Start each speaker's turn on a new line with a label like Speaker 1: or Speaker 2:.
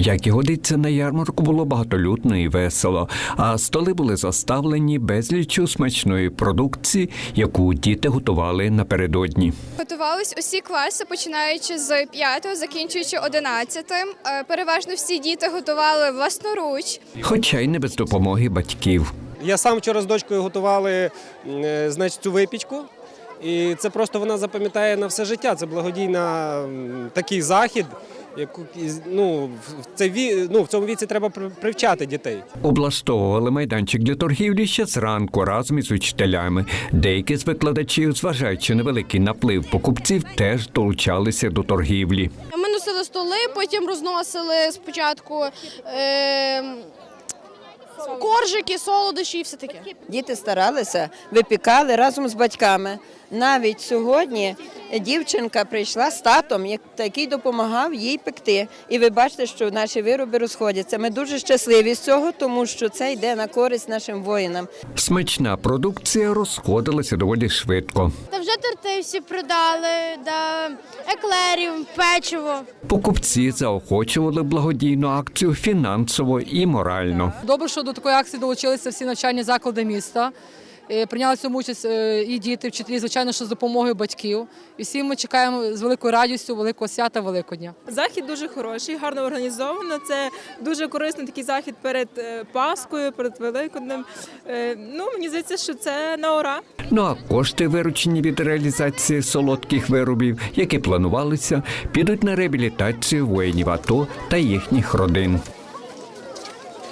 Speaker 1: Як і годиться, на ярмарку було багатолюдно і весело, а столи були заставлені безліччю смачної продукції, яку діти готували напередодні.
Speaker 2: Готувались усі класи, починаючи з 5-го, закінчуючи 11-м. Переважно всі діти готували власноруч.
Speaker 1: Хоча й не без допомоги батьків.
Speaker 3: Я сам вчора з дочкою готували, значить, цю випічку. І це просто вона запам'ятає на все життя. Це благодійна такий захід. В цьому віці треба привчати дітей.
Speaker 1: Облаштовували майданчик для торгівлі ще зранку разом із учителями. Деякі з викладачів, зважаючи на великий наплив покупців, теж долучалися до торгівлі.
Speaker 4: Ми носили столи, потім розносили спочатку коржики, солодощі і все таке.
Speaker 5: Діти старалися, випікали разом з батьками. Навіть сьогодні дівчинка прийшла з татом, який допомагав їй пекти. І ви бачите, що наші вироби розходяться. Ми дуже щасливі з цього, тому що це йде на користь нашим воїнам.
Speaker 1: Смачна продукція розходилася доволі швидко.
Speaker 4: Та вже торти всі продали, еклерів, печиво.
Speaker 1: Покупці заохочували благодійну акцію фінансово і морально.
Speaker 6: Добре, що до такої акції долучилися всі навчальні заклади міста. Прийняли в цьому участь і діти, вчителі, звичайно, що з допомогою батьків. І всі ми чекаємо з великою радістю великого свята Великодня.
Speaker 7: Захід дуже хороший, гарно організовано. Це дуже корисний такий захід перед Пасхою, перед Великоднем. Мені здається, що це на ура.
Speaker 1: Ну а кошти, виручені від реалізації солодких виробів, які планувалися, підуть на реабілітацію воїнів АТО та їхніх родин.